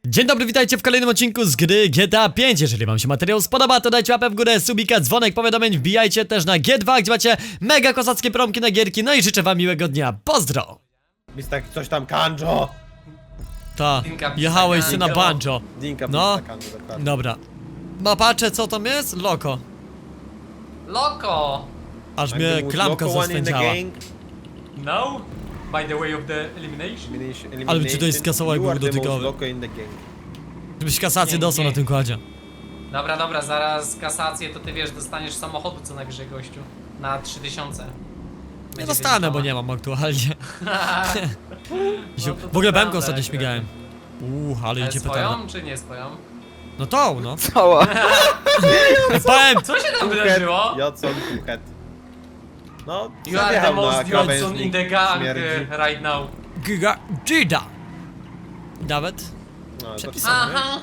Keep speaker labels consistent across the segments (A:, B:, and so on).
A: Dzień dobry, witajcie w kolejnym odcinku z gry GTA 5. Jeżeli wam się materiał spodoba, to dajcie łapę w górę, subika, dzwonek, powiadomień, wbijajcie też na G2, gdzie macie mega kozackie promki na gierki. No i życzę wam miłego dnia, pozdro!
B: Mistak coś tam kanjo!
A: Ta,
C: Dinka
A: jechałeś
C: pisa
A: ty na
C: kanjo.
A: banjo.
B: Dinka
A: No.
B: pisa kanjo, dokładnie.
A: Dobra. Mapacze, co tam jest? Loko.
C: Loko!
A: Aż
B: I'm
A: mnie
B: the most
A: klamka
B: local one in the
A: zaswędziała.
B: gang.
C: No? By the way of the elimination?
B: Ale
A: czy to jest kasołek
B: You are the most
A: dotykowy?
B: local in the gang.
A: Żebyś kasację
C: Nie,
A: dostał
C: nie.
A: na tym kładzie.
C: Dobra, zaraz kasację to ty wiesz, dostaniesz samochodu co najwyżej gościu. Na 3000.
A: Nie
C: Będzie
A: dostanę, bo
C: wyliczone.
A: nie mam aktualnie.
C: No to
A: W ogóle
C: prawda,
A: bemką ostatnio
C: jak
A: śmigałem. Ale
C: Ale
A: idzie petarda.
C: swoją czy nie swoją?
A: No tą, no.
D: Cała.
A: Powiem!
C: Co się tam
B: Kuchet,
C: wydarzyło?
B: Jocon, kuchet. No,
C: You are the
B: zajechał na
C: most Johnson
B: krawężnik,
C: in the gang
B: śmierdzi.
C: right now.
A: Giga Gida. Nawet.
B: No, to
A: Przepis-
C: Aha!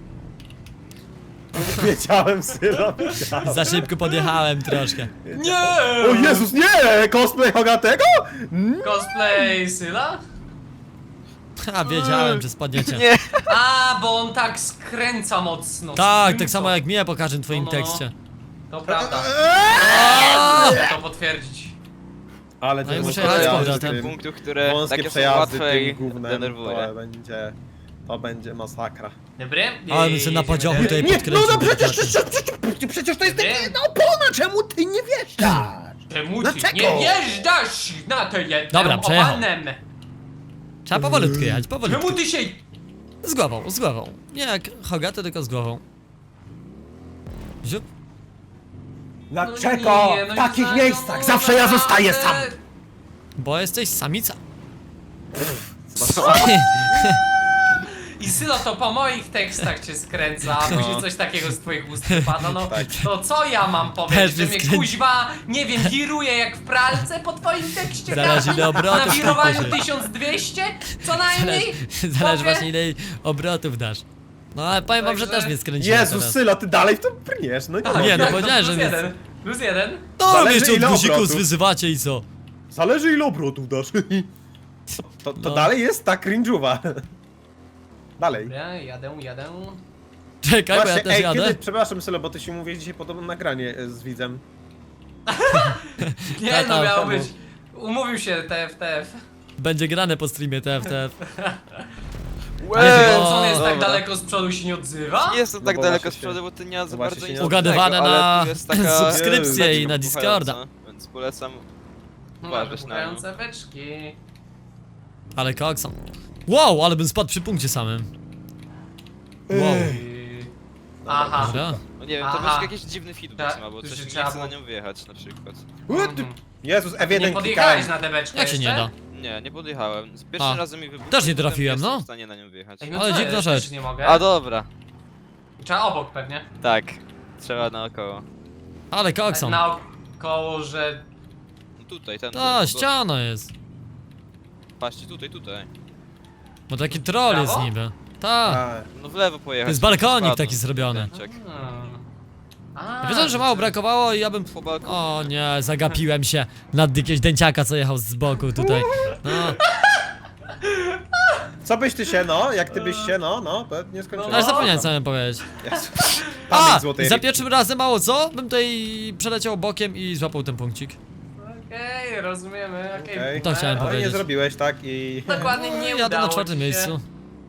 B: wiedziałem, Sylo, wiedziałem.
A: Za szybko podjechałem troszkę.
C: Nie!
B: O Jezus, nie! Cosplay Hogatego?
C: Cosplay Syla?
A: Ha, wiedziałem, że spadniecie.
D: Nie.
C: A, bo on tak skręca mocno.
A: Tak,
C: Skręca.
A: tak samo jak mnie po każdym twoim
C: No.
A: tekście.
C: To prawda.
A: Aaaa!
C: Mogę to potwierdzić.
B: Ale
A: No i
B: to
A: muszę
B: jest
A: jechać z
B: przejazdy
A: powrotem.
B: tym,
D: Punktów, które
B: wąskie
D: takie są
B: przejazdy
D: łatwe i
B: tym gównem,
D: denerwuje.
B: to będzie masakra.
C: Dobry?
A: Ale bym sobie na podziochu tutaj podkręcił.
B: no przecież
C: to jest takie
B: opona, czemu ty nie wjeżdżasz?
C: Czemu ty
B: Dlaczego?
C: nie wjeżdżasz na to jedno
A: Dobra, przejechał.
C: opanem?
A: Trzeba powolutku jechać, powolutku.
C: Czemu ty się...
A: Z głową, z głową. Nie jak Hogaty, tylko z głową. Ziup.
B: Dlaczego
C: nie, no
B: w
C: i
B: takich
C: za-
B: miejscach
C: no
B: zawsze ja
C: naprawdę.
B: zostaję sam?
A: Bo jesteś samica.
C: I Sylo to po moich tekstach cię skręca, a później coś takiego z twoich ust wypada, no
B: Tak.
C: to co ja mam
A: Też
C: powiedzieć, że
A: mnie
C: mnie
A: skręci.
C: kuźwa, nie wiem, wiruje jak w pralce po twoim tekście?
A: Zależy ile obrotów
C: Na wirowaniu
A: tam poszedł.
C: 1200? Co najmniej?
A: Zależy
C: Powie-
A: właśnie ile obrotów dasz. No ale powiem wam, że
C: Także-
A: też mnie skręciło
B: Jezus,
A: teraz.
B: Sylo, ty dalej w to brniesz, no
C: Tak,
A: Nie, no
C: tak,
A: powiedziałem, że
C: plus
A: mnie-
C: jeden. Plus jeden.
A: No
B: Zależy,
A: jeszcze od
B: ile
A: guzików
B: obrotów.
A: wyzywacie i co?
B: Zależy ile obrotów dasz. To
A: No.
B: dalej jest ta cringe'uwa. Dalej.
C: Dobra, jadę.
A: Czekaj, bo ja
B: Właśnie,
A: też
B: ej,
A: jadę.
B: kiedy, przepraszam Sylo, bo ty się mówię dzisiaj podobno nagranie z widzem.
C: Nie
A: Tata,
C: no, miało
B: czemu?
C: być. Umówił się TF.
A: Będzie grane po streamie TFTF.
D: Łe,
A: bo-
C: Co on jest tak
D: dobra.
C: daleko z przodu i się nie odzywa?
D: Nie jestem
B: No
D: tak
B: bo
D: daleko
B: właśnie
D: z przodu, bo ty nie ma za
B: właśnie
D: bardzo
B: się
D: nic
B: nie
A: Ugadywane
D: innego, ale
A: na
D: tu jest taka
A: subskrypcję i na
D: beczka
A: Discorda.
D: wybuchająca, więc polecam
C: No,
D: uważać na nią.
C: wybuchające beczki.
A: Ale koksa. Wow, ale bym spadł przy punkcie samym. Wow.
C: Aha.
A: Dobra.
D: No nie wiem,
C: Aha.
D: to będzie jakiś dziwny feedback
C: Ta-
D: ma, bo
C: że
D: coś mi nie
C: trzeba
D: chce na
C: było-
D: nią wjechać na przykład.
B: Jezus,
C: Nie
B: F1
C: podjechałeś
B: klikałem.
C: na tę beczkę
A: Jak się nie
C: jeszcze?
A: da?
D: Nie podjechałem. Z pierwszym
A: A.
D: razem mi wybuchło.
A: Też nie
D: potem
A: trafiłem,
D: jestem
A: no.
D: w stanie na nią wjechać.
C: Ej, no
A: Ale
C: co
A: dziwna
C: jest?
A: rzecz.
C: Też nie mogę.
D: A dobra,
C: Trzeba obok pewnie.
D: tak. Trzeba naokoło.
A: Ale koksa.
C: Naokoło, że...
D: No tutaj, ten.
A: A, ściana jest.
D: Patrzcie, tutaj.
A: Bo taki troll jest
C: Brawo?
A: niby. Tak.
B: A,
D: No w lewo pojechać.
A: To jest balkonik
D: spadnę.
A: taki zrobiony.
D: Czek.
C: A,
A: Wiedzą, że mało brakowało i ja bym...
D: Po balkonie.
A: O nie, zagapiłem się nad jakiegoś dęciaka, co jechał z boku tutaj. No,
B: co byś ty się, no? Jak ty byś się, no, to nie skończyłem.
A: ale zapomniałem co miałem powiedzieć.
B: Jezu.
A: A!
B: Pamięć złotej
A: Za
B: rybki.
A: pierwszym razem mało co? Bym tutaj przeleciał bokiem i złapał ten punkcik.
C: Okej, rozumiemy, okej.
B: Okej.
A: To chciałem
B: Ale nie
A: powiedzieć.
B: zrobiłeś, tak? I...
C: Dokładnie nie
A: Jadę
C: udało
A: na czwartym
C: ci się.
A: miejscu.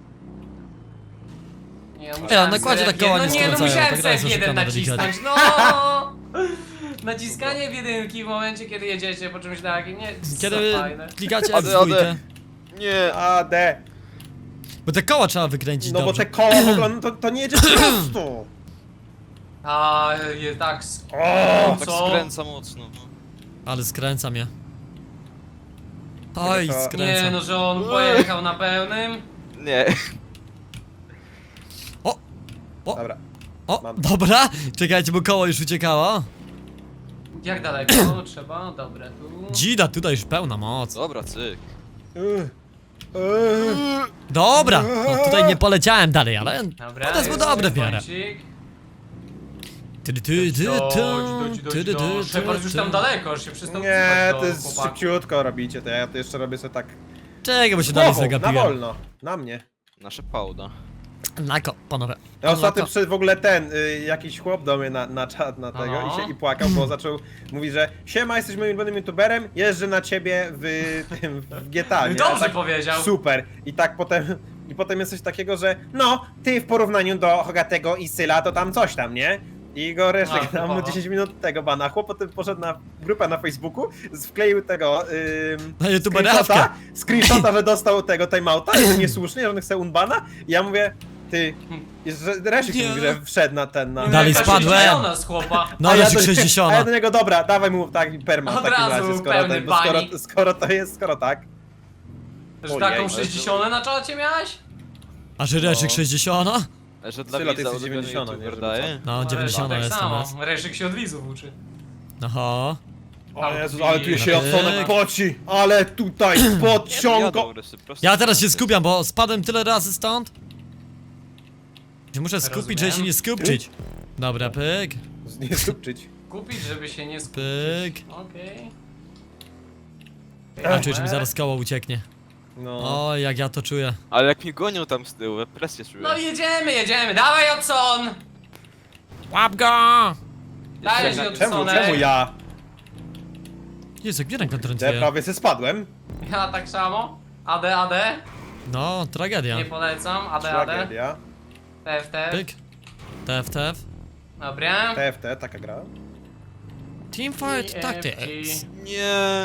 C: Nie,
A: Ja na kładzie tak koła
C: no
A: nie
C: nie, no
A: skręcają,
C: musiałem
A: tak raz
C: sobie jeden
A: oszukane
C: nacisnąć, no! Naciskanie w jedynki w momencie, kiedy jedziecie po czymś takim, nie,
A: Kiedy
C: co fajne.
A: klikacie
D: Ode,
A: F2,
D: ode. Nie.
B: A, D.
A: bo te koła trzeba wykręcić
B: No bo
A: dobrze.
B: te koła w ogóle, no to nie jedzie prosto.
C: A, jest tak,
B: O!
D: Tak
C: co?
D: skręca mocno.
A: Ale skręca mnie. Oj,
B: to-
A: skręca.
C: Nie, no że on pojechał na pełnym.
D: Nie.
B: Dobra.
A: O,
B: Mam.
A: dobra, czekajcie, bo koło już uciekało.
C: Jak daleko trzeba? Dobra, tu.
A: Dzida, tutaj już pełna moc.
D: Dobra, cyk.
A: Dobra, no tutaj nie poleciałem dalej, ale
C: Dobra,
A: to jest
C: jest
A: dobre w miarę.
C: kącik. Dość. Shepard już tam daleko, już się przestał
B: Nie,
C: wzywać
B: to
C: do
B: jest
C: chłopaków.
B: szybciutko robicie, to ja to jeszcze robię sobie tak...
A: Czekaj, bo się dalej
B: Głową, na
A: zagapiłem.
B: wolno, na mnie.
D: Nasze pałda.
A: Nako, panowie.
B: Ja ostatnio
A: Nako.
B: przyszedł w ogóle jakiś chłop do mnie na czat na tego
C: No.
B: i płakał, bo zaczął mówić, że siema, jesteś moim ulubionym youtuberem, jeżdżę na ciebie w GTA, nie?
C: Dobrze
B: A tak,
C: powiedział.
B: Super. I tak potem jest coś takiego, że no, ty w porównaniu do Hogatego i Syla to tam coś tam, nie? I go Reszek
C: No,
B: dał mu
C: typowo.
B: 10 minut tego bana. Chłop potem poszedł na grupę na Facebooku, wkleił tego
A: Na youtuberowkę.
B: screenshota, że dostał tego timeouta, jest niesłusznie, że on chce unbana. I ja mówię, ty, Reszek
A: Nie.
B: mówi, że wszedł na ten, na...
A: Dalej
C: Jaka
A: spadłem.
C: 60 z chłopa.
A: No,
B: A
A: ale
B: do- A ja
A: 60.
B: do niego, dobra, dawaj mu tak perma w
C: Od
B: takim
C: razu
B: razie, skoro,
C: pełny
B: bo skoro,
C: banik.
B: skoro to jest, skoro tak.
C: Że
B: Ojej,
C: taką
B: ale
C: 60 na czacie miałeś?
A: A Żyreczek
B: No.
A: 60?
D: Że dla
B: Sylo, ty
D: widza
B: jesteś
D: ulubiony
B: 90,
D: youtuber
B: nie, żeby
D: daje.
A: No,
C: No,
A: 90
C: tak
A: jestem.
C: samo.
A: Jest.
C: Reszek się od widzów uczy.
A: Oho.
B: O Jezus, ale tu się
A: Pyk.
B: Jadsonek poci, ale tutaj podciągo.
A: Ja teraz się skupiam, bo spadłem tyle razy stąd. Się muszę skupić, żeby się nie skupczyć. Dobra, pyk,
B: Nie stupczyć.
C: Kupić, żeby się nie skupić.
A: pyk.
C: Okej.
A: A czuję, że mi zaraz koło ucieknie.
B: No.
A: O, jak ja to czuję.
D: Ale jak mi gonią tam z tyłu, presję czuję.
C: No jedziemy, dawaj Odson!
A: Łap go!
C: Dajesz
B: Czemu
C: Odsonek.
B: ja?
A: Jezu, gdzie ręka
B: Ja
A: trąciłem?
B: prawie se spadłem.
C: Ja tak samo. AD.
A: No, tragedia.
C: Nie polecam. AD.
B: Tragedia.
C: TFT.
A: Pyk. TF.
C: Dobra.
B: TFT, taka gra.
A: Teamfight
C: TFT.
A: Tactics.
D: Nie.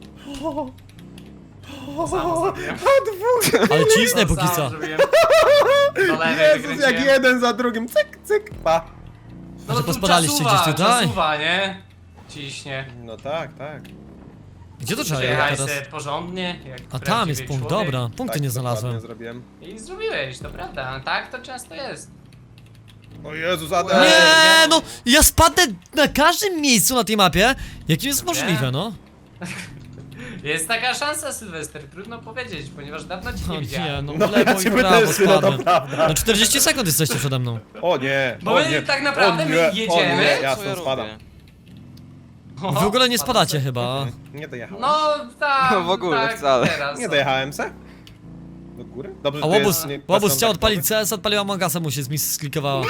C: To samo zrobiłem.
A: Ale cisnę
C: To
A: póki
C: samo
A: co.
C: zrobiłem. Do lewej
B: Jezus, jak
C: wykręciłem.
B: jeden za drugim, cyk, cyk, pa.
C: No
A: Że
C: tu
A: pospadaliście gdzieś tutaj?
C: Czasuwa, nie? Ciśnie.
B: No tak, tak.
A: Gdzie to trzeba
C: Przyjechałeś
A: jechać
C: sobie
A: teraz?
C: porządnie, jak
A: A tam
C: prawdziwy
A: jest punkt,
C: człowiek.
A: dobra. Punkty
B: Tak,
A: nie
B: dokładnie
A: znalazłem.
B: zrobiłem.
C: I zrobiłeś, to prawda. Tak to często jest.
B: O Jezus,
C: Nie.
B: Adam.
A: Nie, no, ja spadnę na każdym miejscu na tej mapie. Jakim jest
C: Dobra.
A: możliwe, no?
C: Jest taka szansa, Sylwester, trudno powiedzieć, ponieważ dawno cię nie
A: No
C: widziałem.
A: nie, no
B: No
A: w lewo
B: ja
A: i
B: cię
A: w prawo
B: też, no to
A: spadłem.
B: prawda.
A: No 40 sekund jesteście przede mną.
B: O nie,
C: Bo
B: o
C: my
B: nie,
C: tak naprawdę
B: o
C: my
B: nie,
C: jedziemy.
B: O nie,
D: Co
B: ja
D: ja
B: stąd spadam.
D: robię?
A: Wy w ogóle nie spadacie chyba.
B: Nie dojechałem.
C: No tak.
D: No w ogóle
C: tak,
D: wcale.
C: Teraz,
B: Nie
C: no.
B: dojechałem se? Do góry? Dobrze,
A: A
B: że to
A: łobuz,
B: jest nie-
A: łobuz
B: bez
A: chciał
B: kontaktowy.
A: odpalić CS, odpaliła Mogasa, mu się sklikowała.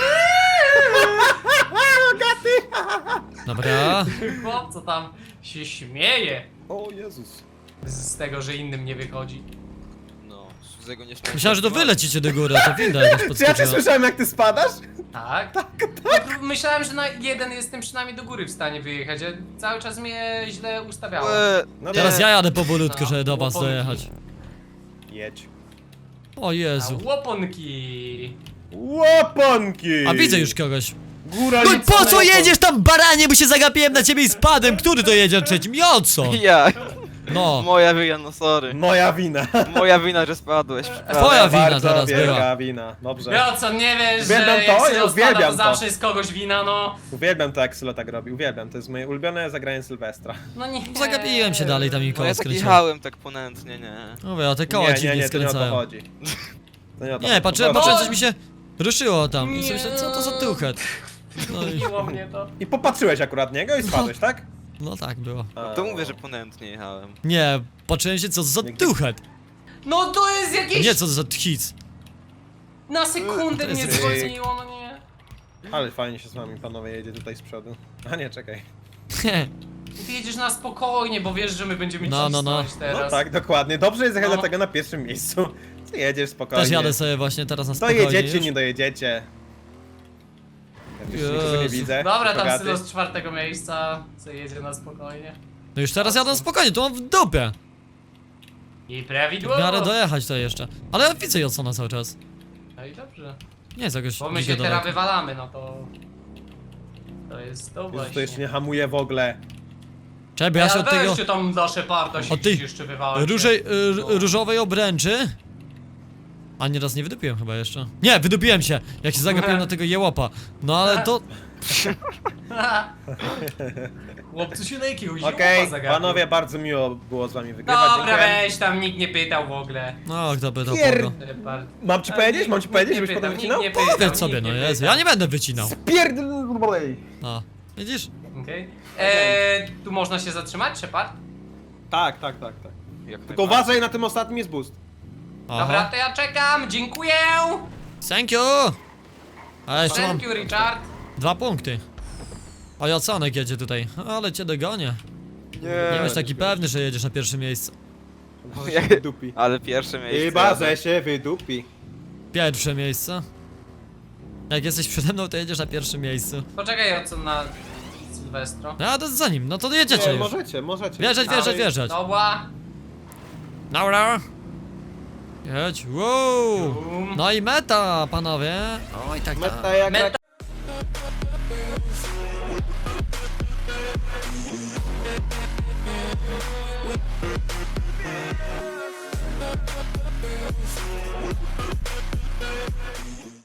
A: Dobra.
C: Chłop, co tam się śmieje
B: O Jezus.
C: z tego, że innym nie wychodzi.
D: No, z tego nie śmiałem.
A: Myślałem, że to wy lecicie do góry, a to winda jakaś
B: Czy ja cię
A: podskoczyła.
B: słyszałem jak ty spadasz?
C: Tak? Tak. No, myślałem, że na jeden jestem przynajmniej do góry w stanie wyjechać, a cały czas mnie źle ustawiało.
B: No
A: Teraz
B: nie.
A: ja jadę powolutku,
C: No,
A: żeby do was
C: łoponki.
A: dojechać.
B: Jedź.
A: O
C: A
A: Jezu.
C: łoponki.
B: Łoponki!
A: A widzę już kogoś.
B: Góra
A: No i
B: nic
A: po co
B: nie-
A: jedziesz tam, baranie, bo się zagapiłem na ciebie i spadłem. Który to jedzie trzecim? Jodson!
D: Ja,
A: No.
D: moja wina, no sorry.
B: Moja wina.
D: Moja wina, że spadłeś.
A: Twoja wina
B: Bardzo
A: teraz
B: wielka
A: była.
B: wina. Dobrze.
C: Ja co, nie wiesz,
B: Uwielbiam
C: że
B: to,
C: jak
B: ja
C: Sylo spada,
B: uwielbiam
C: to
B: to.
C: zawsze jest kogoś wina, no.
B: Uwielbiam to jak Sylo tak robi, uwielbiam. To jest moje ulubione zagranie Sylwestra.
C: No nie.
A: Zagapiłem się dalej tam i
D: No
A: koło
D: ja tak
A: skręciłem.
D: jechałem tak ponętnie, nie.
A: Mówię, a te koła
B: nie,
A: dziwnie
B: to nie o to
A: skręcają.
B: chodzi. To nie o to
A: Nie,
B: chodzi.
A: patrzyłem,
B: Po prostu-
A: coś mi się ruszyło tam i sobie myślę, co to za tuchet? No i,
C: Miło mnie to.
B: I popatrzyłeś akurat niego i spadłeś, tak?
A: no tak było.
B: A,
D: To mówię, że ponętnie jechałem.
A: Nie, patrzyłem się, co za
B: Nigdy-
A: tuchet.
C: No to jest
A: A
C: jakieś...
A: nie, co za tchic.
C: Na sekundę
A: To jest
C: mnie
B: ryk.
C: zwolniło, no nie.
B: Ale fajnie się z wami panowie jedzie tutaj z przodu. A nie, czekaj.
C: Ty jedziesz na spokojnie, bo wiesz, że my będziemy
A: No, no, no.
C: cisnąć teraz.
B: No tak, dokładnie. Dobrze jest jechać
C: No.
B: dlatego na pierwszym miejscu. Ty jedziesz spokojnie.
A: Też jadę sobie właśnie teraz na
B: To
A: spokojnie
B: jedziecie,
A: już.
B: nie dojedziecie. Ja już nikogo nie
A: Jezu.
B: widzę.
C: Dobra, tam
B: Bogaty.
C: Sylo z 4 miejsca, co jedzie na spokojnie.
A: No już teraz jadę spokojnie, to mam w dupie.
C: I
A: W
C: prawidłowo.
A: miarę dojechać to jeszcze. Ale ja widzę Jodsona cały czas.
C: No i dobrze.
A: Nie jest jakoś
C: Bo my się
A: dzikie
C: teraz
A: daleko.
C: wywalamy, no to... To jest to
B: Jezus,
C: właśnie.
B: to jeszcze nie hamuje w ogóle.
A: Czekaj, bo ja się od tego
C: Weźcie tam dla Szeparda się
A: Od tej
C: gdzieś jeszcze wywalcie.
A: różowej obręczy. A nieraz nie wydupiłem chyba jeszcze. Nie, wydupiłem się, jak się zagapiłem na tego jełopa. No ale to...
C: Chłopcu się na jakiegoś
B: Okej,
C: zioła zagapił.
B: panowie, bardzo miło było z wami wygrywać.
C: Dobra,
B: dziękuję.
C: weź tam, nikt nie pytał w ogóle.
A: No, kto pytał
B: Pier-
A: kogo?
C: Szepard.
B: Mam ci powiedzieć? Mam ci powiedzieć, żebyś potem wycinał?
A: Powiedz sobie, no Jezu, ja nie będę wycinał.
B: Spierdolej!
A: No, widzisz?
C: Okej. Tu można się zatrzymać, Shepard?
B: Tak.
D: Jak
B: Tylko uważaj, na tym ostatnim jest boost.
C: Dobra,
A: Aha.
C: to ja czekam, dziękuję!
A: Thank you! A jeszcze mam
C: Thank you, Richard.
A: 2 punkty. O, Jaconek jedzie tutaj, ale cię dogonię. Nie bądź taki pewny, że jedziesz na pierwsze miejsce.
B: Może się wydupi.
D: Ale pierwsze miejsce.
B: Chyba, że się wydupi.
A: Pierwsze miejsce. Jak jesteś przede mną, to jedziesz na pierwszym miejscu.
C: Poczekaj, co na Sylwestro.
A: No, a to za nim, no to jedziecie
B: Nie,
A: już.
B: możecie.
A: Wjeżdżać.
C: Dobra.
A: Dobra. Jedź, wow.
C: Bum.
A: No i meta, panowie. Oj, tak, tak.
B: Meta jak
C: Meta